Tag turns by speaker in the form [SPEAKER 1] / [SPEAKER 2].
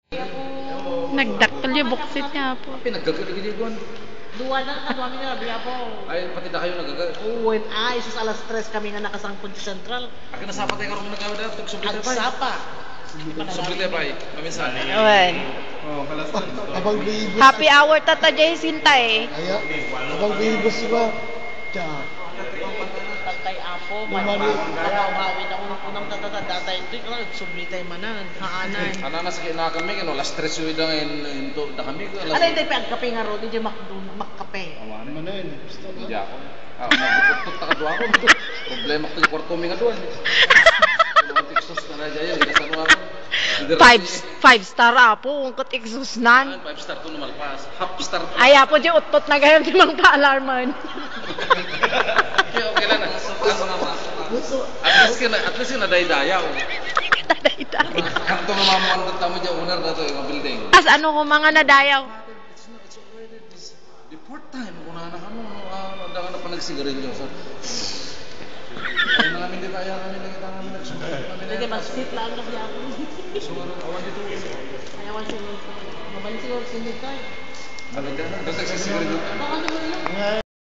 [SPEAKER 1] Nagdakkel yung buksit niya po.
[SPEAKER 2] Tapi naggagal-gagal ko.
[SPEAKER 3] Dua na kami nila, biya po.
[SPEAKER 2] Ay, pati na kayo nagagal.
[SPEAKER 3] Oo, isus alas 3 kami nga nakasangkod sa Central.
[SPEAKER 2] Akin na sapa tayo karong nagawa dito. Sublit
[SPEAKER 3] Ang
[SPEAKER 2] pa.
[SPEAKER 3] sapa.
[SPEAKER 2] Sublit pa. Maminsan.
[SPEAKER 1] Awan.
[SPEAKER 2] Oh, kalas.
[SPEAKER 4] Abang bihibos.
[SPEAKER 1] Happy hour tata Jay Sinta eh.
[SPEAKER 4] Aya, abang bihibos ba? Tiya.
[SPEAKER 3] Tatay Apo,
[SPEAKER 4] Lumali.
[SPEAKER 3] magkakawawin ako ng unang tatay ito. Sublitay manan, haanan.
[SPEAKER 2] Ano na sa kinakami, kano last stress yung idang into na kami.
[SPEAKER 3] Ano yung tayo pagkape nga ro, di makkape.
[SPEAKER 4] Manen. Gusto na.
[SPEAKER 2] Hindi ako. Magputot na kadwa ako. Problema ko yung kwarto mga doon. Mga textos na na dyan. Ilasan mo ako.
[SPEAKER 1] Five star apo, ungkot exhaustnan.
[SPEAKER 2] 5 star to naman pas. Half star.
[SPEAKER 1] Ay apo di utot na gayon di mang pa-alarman.
[SPEAKER 2] Okay lang. At least yung naday-daya.
[SPEAKER 1] Taday-day.
[SPEAKER 2] Kanto mamamuan na tamo dyan unar na to yung building.
[SPEAKER 1] As ano ko mga nadayaw.
[SPEAKER 2] It's already the fourth time kung na na pa nagsigarilyo. So, ay namin di kaya kami nakita namin nagsusunod.
[SPEAKER 3] Hindi, mag-sit lang na biya ako.
[SPEAKER 2] Sumunod, awan dito.
[SPEAKER 3] Ayaw ang sunod ko. Mabalik siguro sunod tayo.
[SPEAKER 2] Ano dyan? Doon nagsisigarilyo.
[SPEAKER 3] Baka naman lang.
[SPEAKER 4] Nga,